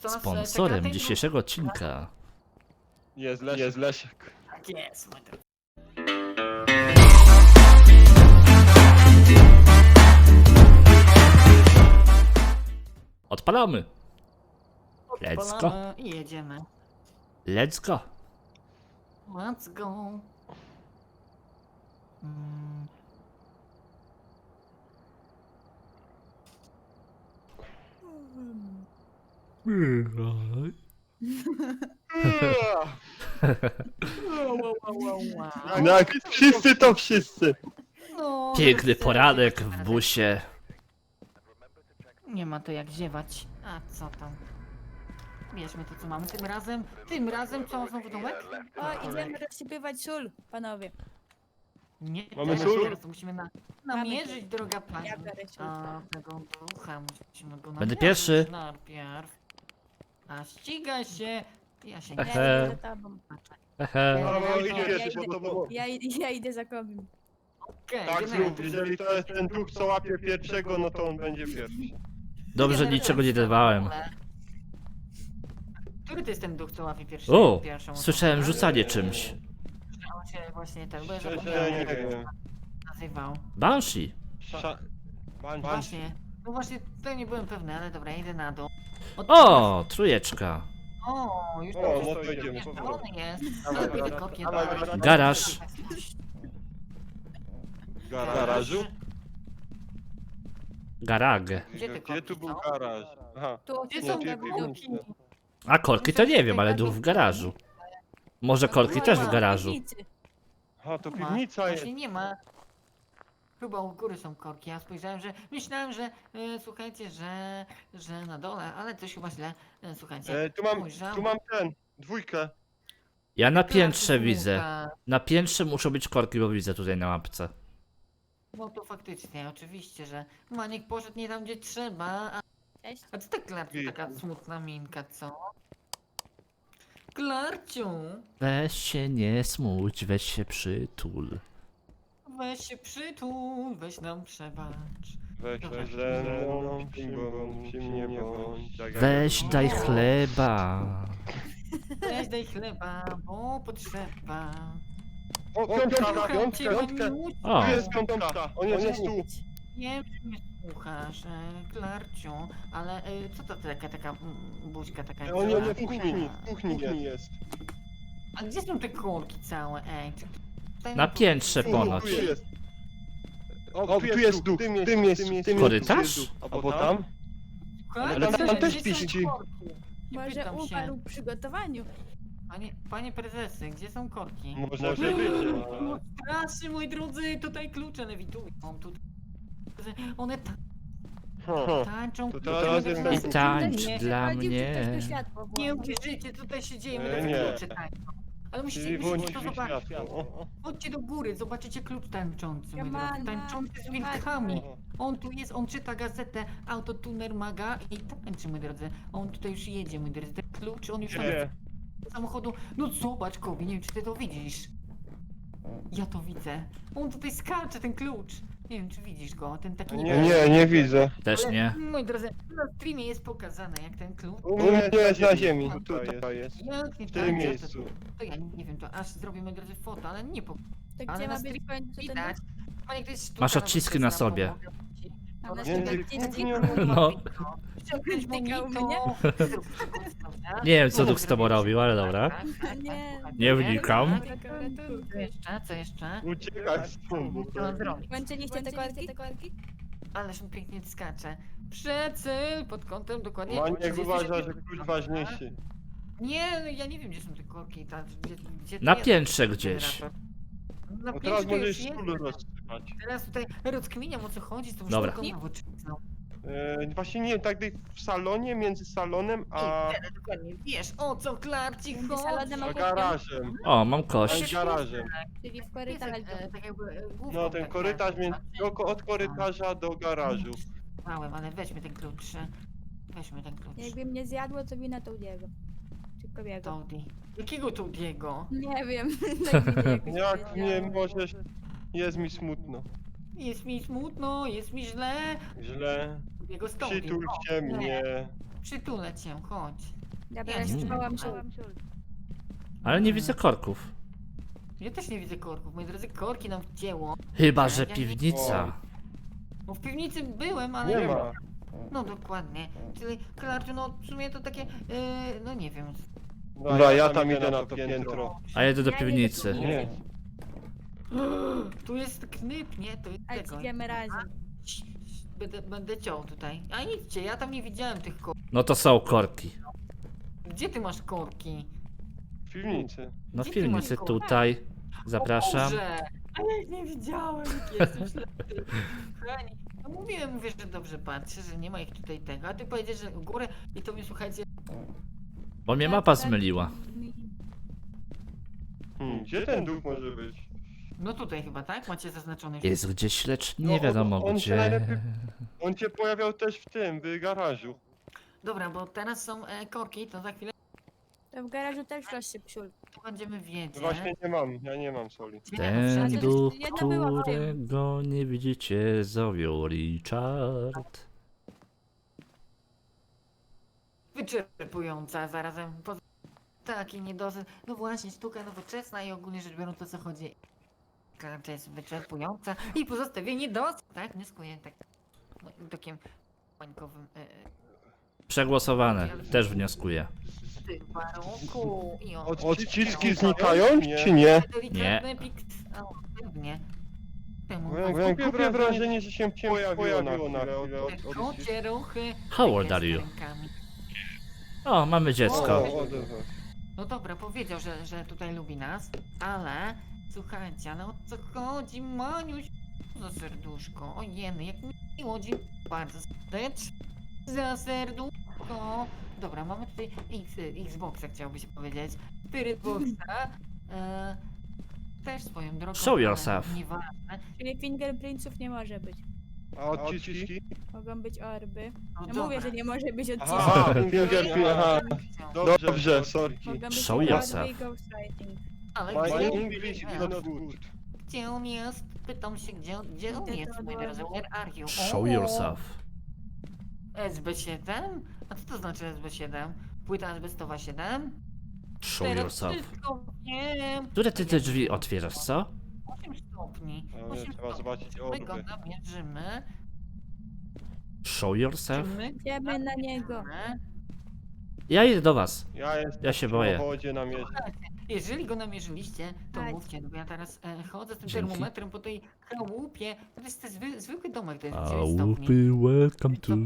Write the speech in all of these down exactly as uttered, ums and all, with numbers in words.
nas e, czeka Sponsorem ten dzisiejszego odcinka Jest Lesiek. Jest Lesiek. Tak jest, moi drodzy. odpalamy. Let's go. Odpalamy I jedziemy. Let's go. Let's go. Mm. Wow, wow, wow, wow. No jak wszyscy to wszyscy. No, Piękny wszyscy- poranek w busie. Nie ma to jak ziewać. A co tam? Bierzmy to co mamy tym razem. Tym razem co znowu dołek? O, idziemy rozsypywać sól, panowie. Nie, Mamy teraz, sól? teraz to musimy na, namierzyć, droga pani. Ja biorę sól. A tego ducha musimy go Będę namierzyć pierwszy. najpierw. A ściga się. Ja się Ehe. nie Ja idę za tobą. Hehe. No, no Ja idź idę. pierwszy, bo to było. Ja, idę- ja idę za kobim. Okej, Tak generał, zrób, jeżeli to jest ten duch, co łapie pierwszego, no to on będzie pierwszy. Dobrze, generał, niczego nie dawałem. Który to jest ten duch, co łapie pierwszy? O, pierwszą osobę? słyszałem rzucanie czymś. On się właśnie ten, bo ja Szczerze, zapomniałem, nie jak wiem. się nazywał. Banshee. Sza... Ban, ban. Właśnie. No właśnie, tutaj nie byłem pewny, ale dobra, idę na dół. Od- O, trójeczka. O, już O, to no to idziemy. on jest. Dawaj, Ale dawaj, pójdę kopię. dawaj, dawaj. dawaj. Garaż. W garażu? Garag. Gdzie ty Gdzie tu kopisz, był co? garaż? Aha. Tu Gdzie Nie, są tu te jest bułki? piwnica. A korki to nie wiem, ale duch w garażu. Może korki też w garażu. Piwnicy. Aha, to Nie ma. piwnica jest. Właśnie nie ma. Chyba u góry są korki. Ja spojrzałem, że myślałem, że e, słuchajcie, że, że na dole, ale coś chyba źle. E, słuchajcie. E, tu mam, spojrzałem. tu mam ten, dwójkę. Ja na Placu piętrze widzę. Smuka. Na piętrze muszą być korki, bo widzę tutaj na mapce. No to faktycznie, oczywiście, że Maniek poszedł nie tam, gdzie trzeba. A, Cześć. a co tak Klarciu, taka smutna minka, co? Klarciu, Weź się nie smuć, weź się przytul. weź się przytul, weź nam przebacz. Weź, weź ze mną, bądź, nie bądź. Tak jak- Weź daj chleba. Weź daj chleba, bo potrzeba. O, piątka, piątka, Cię piątka. Maniusiu. O. Tu jest piątka, on jest tu. Nie wiem, czy mnie słuchasz, e, Klarciu, ale e, co to taka, taka mm, buźka taka? On cała? nie w kuchni, w kuchni jest. A gdzie są te korki całe, ej? Czy tutaj Na mi piętrze powiedz- ponoć. Tu jest. O, tu jest duch, w tym miejscu, w tym miejscu. Korytarz? Albo tam? Słuchajcie, Ale tam- tam też gdzie są piści. korki? Nie Może pytam się. umarł w przygotowaniu. Panie, panie prezesy, gdzie są korki? Może być. No strasznie, moi drodzy, tutaj klucze lewitują. Tutaj. One ta Hmm. tańczą. To klucze teraz lewitują. jest I tańcz Nie, dla Chodził, czy ktoś mnie. tu światło Nie włączył? uwierzycie, co tutaj się dzieje, E, moi drodzy, nie. klucze tańczą. Ale musicie, Czyli musicie włączyć to zobaczyć. światło. O, o. Chodźcie do góry, zobaczycie klucz tańczący, moi drodzy. Siemano, Tańczący z siemano. wilkami. On tu jest, on czyta gazetę Autotuner Maga i tańczy, moi drodzy. On tutaj już jedzie, moi drodzy. Ten klucz, on już tam Gdzie? z samochodu. No zobacz, Kobi, nie wiem, czy ty to widzisz. Ja to widzę. On tutaj skacze, ten klucz. Nie wiem, czy widzisz go, ten taki... Nie, nie, nie widzę. Też nie. Moi drodzy, na streamie jest pokazane, jak ten klucz... U mnie jest na ziemi. Tutaj jest. Jak nie W tym tańczy, miejscu. To, to ja nie wiem, to aż zrobię, moi drodzy, foto, ale nie po... To Ale gdzie na ma być streamie w końcu ten widać. duch? Panie, to jest sztuka, Masz nawet odciski to na jest sobie. pomogę ci. A To na jest Między przykład taki- kuchnią. No. Ściągnąć Tykał monito, mnie? zrób przekąskę, tak? Nie wiem, co duch z tobą robił, ale dobra. Tak, tak, tak, Nie. tak, Nie tak, wnikam. tak, tak, tak. Co jeszcze, co jeszcze? Uciekaj stąd. bo Co to- mam zrobić? Włączyliście te korki? Ależ on pięknie skacze. Przecyl pod kątem dokładnie. Maniek trzydzieści uważa, że sekund. klucz ważniejszy. Nie, no ja nie wiem, gdzie są te korki. Ta, gdzie, gdzie to Na jest piętrze ten gdzieś. generator? Na No piętrze teraz to możesz już jest. sól rozsypać. Teraz tutaj rozkminiam, o co chodzi z tą Dobra. sztuką nowoczesną. E, właśnie nie, tak w salonie, między salonem a, I teraz dokładnie wiesz, o co Klarci Między chodzi. salonem a a garażem. O, mam A kość. garażem. Czyli w Jest, korytarzu. e, tak jakby, e, główką No ten tak korytarz, jakby, między, tak? oko- od korytarza do garażu. Małem, ale weźmy ten klucz. e, Weźmy ten klucz. Jakby mnie zjadło, to wina Toudiego. Czy Kobiego. Toady. Jakiego Toadiego? Nie wiem. tak mi jakoś Jak powiedziało. nie możesz, jest mi smutno. Jest mi smutno, jest mi źle. Źle. Jego z Toady. Przytul O, się mnie. Przytulę cię, chodź. Dobra, Ja ja się nie schowałam wiem. sól. Ale nie widzę korków. Ja też nie widzę korków, moi drodzy, korki nam wcięło. Chyba, że Ja nie- piwnica. Bo w piwnicy byłem, ale... Nie ma. No dokładnie. Czyli, Klarciu, no w sumie to takie, yy, no nie wiem. Dobra, ja tam idę na to piętro. A ja idę do Ja nie piwnicy. wiem, Nie. Tu jest knyp, nie? To jest Ale tego. idziemy razem. Cii, cii, Będę, będę ciął tutaj. A idźcie, ja tam nie widziałem tych korków. No to są korki. Gdzie ty masz korki? W piwnicy. No w Gdzie ty masz piwnicy korki? tutaj. Zapraszam. O Boże! A ja ich nie widziałem, jak jestem ślepy. Kochani, no mówiłem, mówię, że dobrze patrzę, że nie ma ich tutaj tego, a ty powiedziesz, że w górę i to mnie słuchajcie. Bo mnie Tak, mapa tak. zmyliła. Hmm, gdzie ten duch może być? No tutaj chyba, tak? Macie zaznaczony. Jest gdzieś, lecz No, nie on- wiadomo on się gdzie. najlepiej- On się pojawiał też w tym, w garażu. Dobra, bo teraz są e, korki, to za chwilę To w garażu też rośnie psiul. będziemy wiedzieć. Właśnie nie mam, ja nie mam soli. Gdzie Ten wszędzie- duch, Jedna była w tym. którego nie widzicie, zowią Richard. Wyczerpująca, zarazem poza... taki niedosyt. No właśnie, sztuka nowoczesna i ogólnie rzecz biorąc o co chodzi. Karta jest wyczerpująca i pozostawienie dosyć, tak? Wnioskuję tak no, takim pańkowym e, Przegłosowane. Też wnioskuję. w tym warunku i o... Odciski znikają, czy nie? Delikatny pikt... O, pewnie. Temu Miałem głupie wrażenie, że się pojawiło na chwilę. od- od- te od- kocie ruchy... How old takie are z you? rękami. O, mamy dziecko. O, odezwał. No dobra, powiedział, że, że tutaj lubi nas, ale słuchajcie, ale o co chodzi, Maniuś? Za serduszko, ojeny, jak miło, dziękuję bardzo serdecznie za serduszko. Dobra, mamy tutaj X, Xboxa, chciałby się powiedzieć, Spiritboxa, e, też swoją drogą, Show ale yourself. nieważne. Czyli fingerprintsów nie może być. A odciski? Mogą być orby. No No dobra. mówię, że nie może być odcisków. Aha, fingerprint, aha. Dobrze, sorki. Mogą być Show orby yourself. i ghostwriting. Ale My gdzie, English is not good. gdzie on jest? Pytam się, gdzie, gdzie on Idę jest, do moi drodzy, domu. where are you? Show O! yourself. S B siedem? A co to znaczy S B siedem? Płyta azbestowa siedem? Show Teraz yourself. wszystko wiem. Które ty te drzwi otwierasz, co? osiem stopni. Ale osiem trzeba stopni. zobaczyć My go orby. namierzymy. Show Czy yourself? my Idziemy na niego. namierzymy? Ja idę do was. Ja jestem Ja się boję. w wodzie na mieście. Jeżeli go namierzyliście, to Chodź. mówcie, no bo ja teraz e, chodzę z tym Dzięki. termometrem po tej chałupie. To jest ten zwy, zwykły domek, to jest dziewięć stopni. Łupy, welcome to.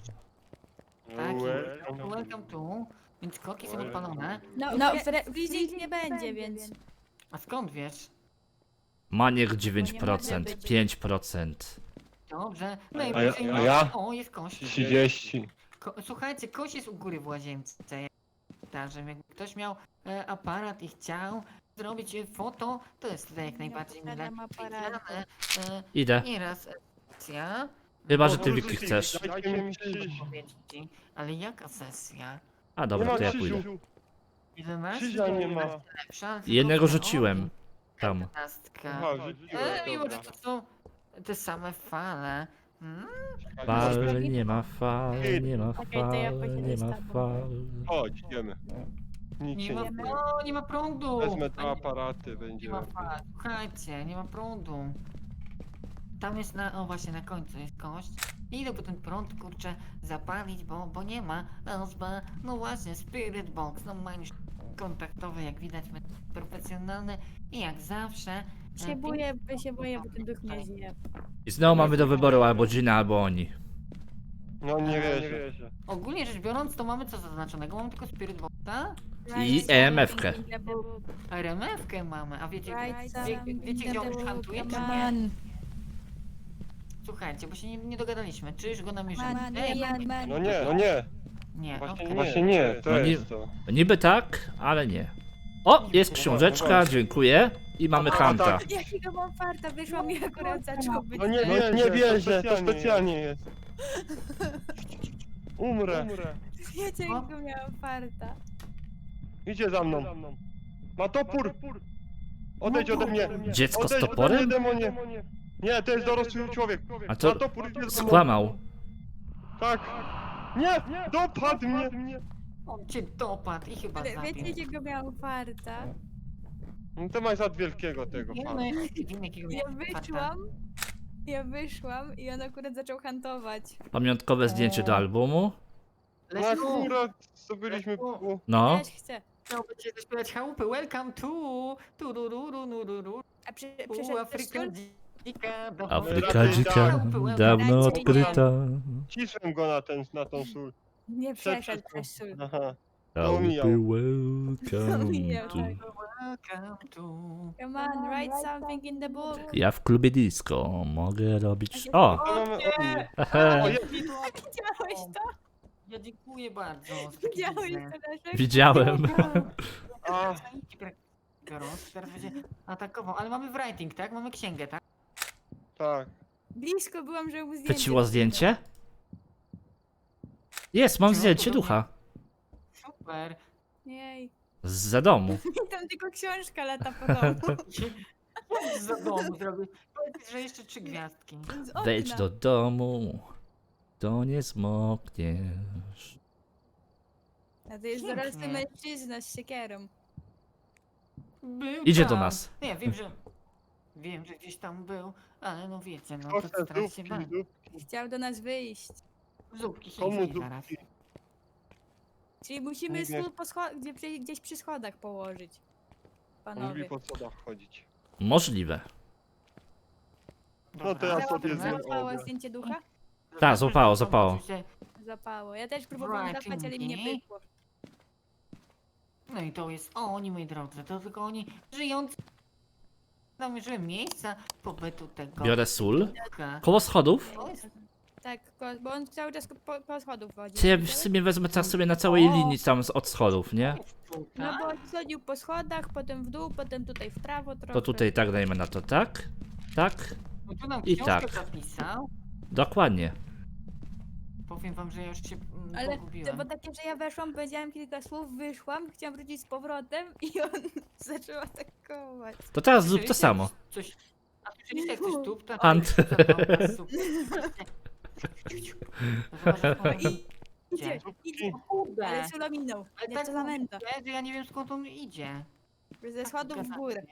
Tak, Welcome. welcome to. Więc korki są odpalone. No, No, no w freezing nie będzie, więc... A skąd wiesz? Maniek dziewięć procent, pięć procent. Dobrze. A Najwyżej ja- a ja? O, jest kość. trzydzieści. Ko słuchajcie, kość jest u góry w łazience. Także jakby ktoś miał e, aparat i chciał zrobić e, foto, to jest tutaj jak Nie najbardziej mile posiadam aparatu. widziane. E, Idę. nieraz sesja. Chyba, że ty Wiki chcesz. Dajcie mi krzyż. Powiedzieć ci, ale jaka sesja? A Nie dobra, ma to ja pójdę. krzyżu. jedenaście? Krzyża nie ma. Lepsza, tylko Jednego że- rzuciłem. o, Tam. jedenastka. Aha, rzuciłem, E, mimo, że dobra. to są te same fale. Hmm? Fal, nie ma fal, nie ma Okej, to ja fal, pójdę nie z ma tobą. fal. Chodź, idziemy. Nic Nie się ma, nie dzieje. o, nie ma prądu! Wezmę dwa Nie- aparaty, Nie będzie ma lepiej. fal, słuchajcie, nie ma prądu. Tam jest na, o właśnie na końcu jest kość. Idę po ten prąd, kurczę, zapalić, bo, bo nie ma. Nazwa, no właśnie, Spirit Box, no ma już kontaktowy, jak widać, my profesjonalny i jak zawsze. e, Się boję, się boję, bo ten duch mnie zje. I znowu mamy do wyboru albo Gina, albo oni. No nie wierzę. Ogólnie rzecz biorąc, to mamy co zaznaczonego? Mamy tylko Spirit Boxa, I E M F-kę. R M F-kę mamy, a wiecie, Right, wie, wiecie gdzie on już handluje, czy nie? Man, Słuchajcie, bo się nie, nie dogadaliśmy, czy już go namierzymy? man, Ej, man, man. No nie, no nie. nie, Właśnie okej. nie, Właśnie nie, to No nie- jest to. Niby tak, ale nie. O, jest książeczka, dziękuję. I mamy A, Hanta. tak. Jakiego mam farta, wyszło mi akurat zaczął być. No nie, nie, nie wierzę, to specjalnie jest. Umrę. Wiecie, jakiego miałam farta. Idzie za mną. Ma topór. Odejdź ode mnie. Dziecko z Odejdź ode toporem? mnie, demonie. Nie, to jest dorosły człowiek. A Ma co? topór, idzie za mną. Skłamał. Tak. Nie! Dopadł mnie! On cię dopadł i chyba Ale zabił. wiecie, jakiego miałam farta? No to masz od wielkiego tego Wiemy, fana. wiemy, jakiego Ja miał farta. wyszłam, ja wyszłam i on akurat zaczął hantować. Pamiątkowe zdjęcie do albumu. No Leszku, akurat zdobyliśmy Leszku. pół. No. Też chcę. chciałby cię zaśpiewać chałupy. Welcome to... Tu, ru, ru, ru, ru, ru, ru. A przy, U, przyszedł Afryka też dzika. do- Afryka Dawno- dzika, dawno odkryta. Cisłem go na, ten, na tą sól. Nie Przed- przeszedł przed- przez sól. Aha. Chałupy welcome Omijał, to... tak. Welcome to... Come on, write something in the book. Ja w klubie disco mogę robić... O! To mamy oni. Hehe. O, je- Widziałeś to? Ja dziękuję bardzo. za taki Widziałeś biznes. to, Leszek? Widziałem. A, Biorąc, teraz będzie atakował, ale mamy writing, tak? Mamy księgę, tak? tak. Blisko byłam, żeby mu zdjęcie. Chwyciło zdjęcie? Jest, mam zdjęcie ducha. Super. Jej. Za domu. I tam tylko książka lata po domu. Co za domu zrobił? Powiedz, że jeszcze trzy gwiazdki. Z okna. Wejdź do domu, to nie zmokniesz. A to jest Pięknie. dorosły mężczyzna z siekierą. Był Idzie do tam. nas. Nie, wiem, że... Wiem, że gdzieś tam był, ale no wiecie, no Proszę, to strach się zupki, bać. zupki. Chciał do nas wyjść. Zupki Komu chińskie zaraz. zupki? Czyli musimy Nie wiem. stół po scho- gdzie, przy- gdzieś przy schodach położyć. On lubi Panowie. po schodach chodzić. Możliwe. No to ja Dobra, sobie dobra. zjem. Załapało zdjęcie ducha? Tak, złapało, złapało. Oczywiście. Zapało. Ja też próbowałam Right, zapać, ale mi nie Inki. pykło. No i to jest oni, moi drodzy, to tylko oni żyjący. Namierzyły miejsca pobytu tego Biorę sól. ducha. Koło schodów? To jest Tak, ko- bo on cały czas po, po schodów chodzi. Czy ja w sumie wezmę teraz sobie na całej linii tam z- od schodów, nie? No tutaj. bo chodził po schodach, potem w dół, potem tutaj w prawo trochę. To tutaj tak dajmy na to, tak? Tak? No tu nam i książkę tak. zapisał. Dokładnie. Powiem wam, że ja już się mm, Ale to pogubiłem. bo takie, że ja weszłam, powiedziałam kilka słów, wyszłam, chciałam wrócić z powrotem i on zaczął atakować. To teraz zrób to Słyszeliście samo. Coś... A słyszeliście jak coś tup? To Ant. I idzie, Zupki. idzie, Kurde. ale Sula minął. Ale Nie, tak co za męta. mówię, że ja nie wiem skąd on idzie. Ze schodów w górę.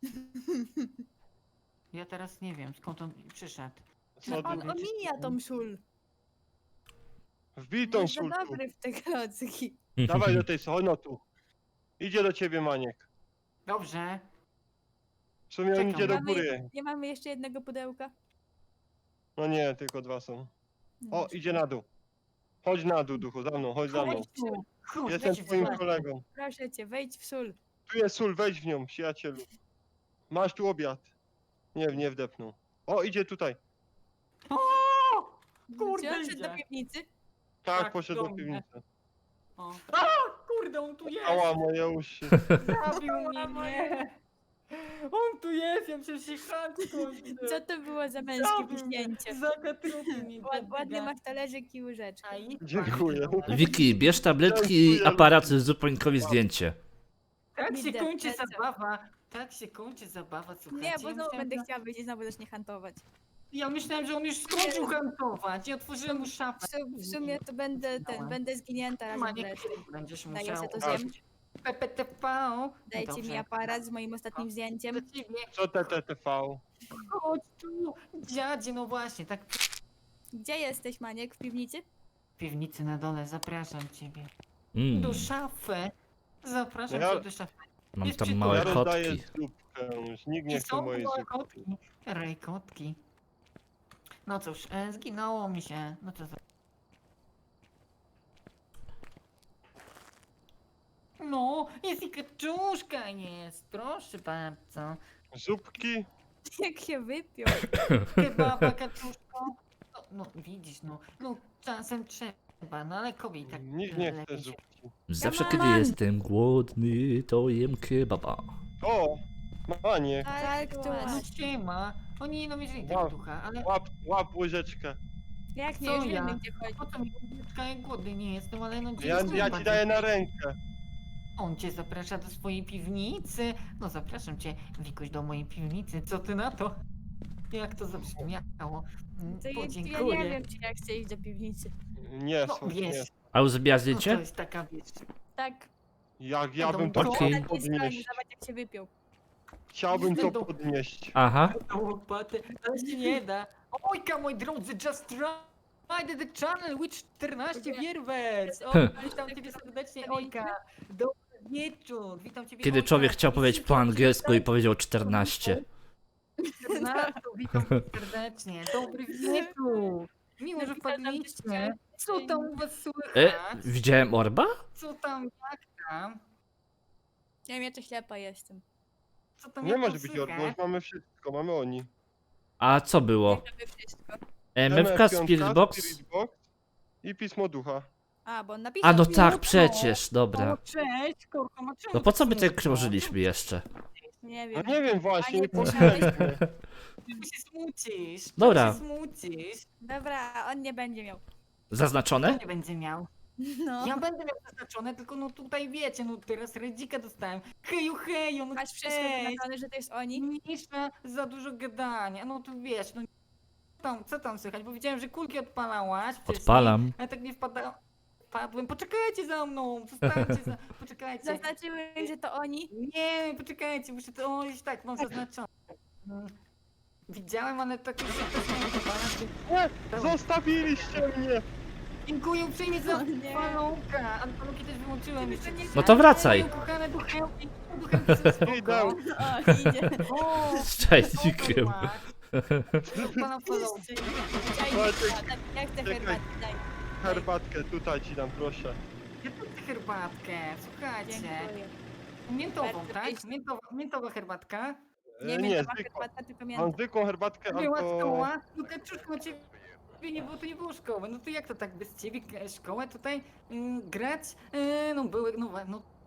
Ja teraz nie wiem skąd on przyszedł. No Schody. on omija tą sól. Wbij tą Jest za sól tu. dobry w te klocki. Dawaj do tej soli, no tu. Idzie do ciebie, Maniek. Dobrze. W sumie on Czekam. idzie do Mamy, góry. nie mamy jeszcze jednego pudełka? No nie, tylko dwa są. No. O, idzie na dół. Chodź na dół, duchu, za mną, chodź za mną. Chodź tu. Chodź, Jestem lecisz twoim za- kolegą. Proszę cię, wejdź w sól. Tu jest sól, wejdź w nią, przyjacielu. Masz tu obiad. Nie, nie wdepnął. O, idzie tutaj. O! Kurde, Czy on szedł idzie. do piwnicy? Tak, Tak, poszedł do do mnie. piwnicy. O. A, kurde, on tu jest! Ała, moje uszy. Zabił mnie, nie! On tu jest, ja przecież się chatką idę. Co to było za męskie Zabił mnie. wyśnięcie? Zakatrupił mnie. Ład- Ładny masz talerzyk i łyżeczkę. A i- Dziękuję. Wiki, bierz tabletki i aparat, zrób Pańkowi zdjęcie. Tak się Widzę, kończy lecę. zabawa. Tak się kończy zabawa, słuchajcie. Nie, bo Ja znowu myślałem, będę że- chciała wyjść i znowu zacznie hantować. Ja myślałem, że on już skończył hantować. Ja otworzyłem mu szafę. W, su- w sumie to będę ten, będę zginięta razem z Maniek, resztą. będziesz Daję musiał sobie to zjem. użyć P P T V. Dajcie Dobrze. mi aparat z moim ostatnim zdjęciem. Do ciebie. Co T T T V? Chodź tu, dziadzie, no właśnie, tak Gdzie jesteś, Maniek? W piwnicy? w piwnicy na dole, zapraszam ciebie. Mm, Do szafy. Zapraszam Ja- cię do szafy. mam Jest tam przy- małe Ja rozdaję kotki. zupkę. Już nikt nie I chce są mojej małe zupy. kotki. Rejkotki. No cóż, e, zginęło mi się. No to za... No, jest i kaczuszka jest, proszę bardzo. Zupki? Jak się wypiął. Kebaba, kaczuszko. No, no widzisz, no, no czasem trzeba, no ale kobiet tak Nikt nie chce lepiej się... zupki. Zawsze Ja kiedy mam. jestem głodny, to jem kebaba. O! Maniek, Tak, tu No masz. siema, oni no mierzyli tego Wow. ducha, ale łap, łap łyżeczkę. Jak nie, Co już ja? wiemy gdzie chodzi. po co mi łyżeczka, jak głodny nie jestem, ale no Ja, dziękuję ja ci bardzo. daję na rękę. On cię zaprasza do swojej piwnicy. No zapraszam cię, Wikuś, do mojej piwnicy. Co ty na to? Jak to zabrzmiało? Mm, To ja, ja Podziękuję. nie wiem, czy ja chcę iść do piwnicy. Nie, No słuchaj, nie. wiesz, A już zbija no to zdjęcie? jest taka wiesz. Tak. Jak ja No bym to to- chciał Okej. Na tej stronie, podnieść. zobacz jak się wypiął. Chciałbym to No. podnieść. Aha. To łopaty, ale się nie da. Ojka, moi drodzy, just tried the channel with czternaście wierwers. O, witam ciebie serdecznie, Ojka. Dobry wieczór, witam ciebie, Kiedy Ojka. człowiek chciał powiedzieć po angielsku i powiedział czternaście. czternaście, witam cię serdecznie. Dobry wieczór. Miło, że wpadliście. Co tam u was E, słychać? widziałem orba? Co tam, jak tam? Ja wiem, ja to ślepa jestem. Co tam, Nie jak może tam być słychać? orgów, mamy wszystko, mamy oni. A co było? Jak robię wszystko. M F K, piątka, Spirit Box? Spirit Box i Pismo Ducha. A, bo on napisał. A no mi. tak, przecież, O, dobra. cześć, kurko, ma czemu No po co tak my tak smutno? krążyliśmy jeszcze? Nie No wiem. nie wiem właśnie, A nie nie pisałeś? Czemu się smucisz? Czemu Dobra. się smucisz? Dobra, on nie będzie miał. Zaznaczone? Nie będzie miał. No. Ja będę miał zaznaczone, tylko no tutaj wiecie, no teraz redzika dostałem. Heju, heju, no Masz wszystko cześć. wyznaczone, że to jest oni? Mniejsza za dużo gadania, no to wiesz, no co tam, co tam słychać, bo widziałem, że kulki odpalałaś wcześniej, Odpalam. ale tak nie wpadałem. Wpadłem, poczekajcie za mną, zostańcie za... poczekajcie. Zaznaczyłem, że to oni. Nie, poczekajcie, muszę to, o, już tak, mam zaznaczone. Mm. Widziałem, ale tak już się też nie odpala. Nie, zostawiliście mnie! Dziękuję uprzejmie za O nie. falonka, ale falonki też wyłączyłem jeszcze. nie No to wracaj. Moje Kochane duchełki, duchełki są spoko. Idę. O, idzie. O, Z czajnikiem. Pana falonki. Czajnik, jak chcę Czekaj. herbatę, daj. Herbatkę tutaj ci dam, proszę. Ja tu chcę herbatkę, słuchajcie. Dziękuję. Miętową, Bardzo tak? pyszne. Miętowa, miętowa herbatka. Nie E, wiem, nie, to ma zwykłą. herbata, tylko Mam mięta. zwykłą herbatkę Była albo... szkoła, no kaczuszko ciebie nie było, to nie było szkoły. No to jak to tak bez ciebie e, szkołę tutaj y, grać? Y, no były, no, wa- no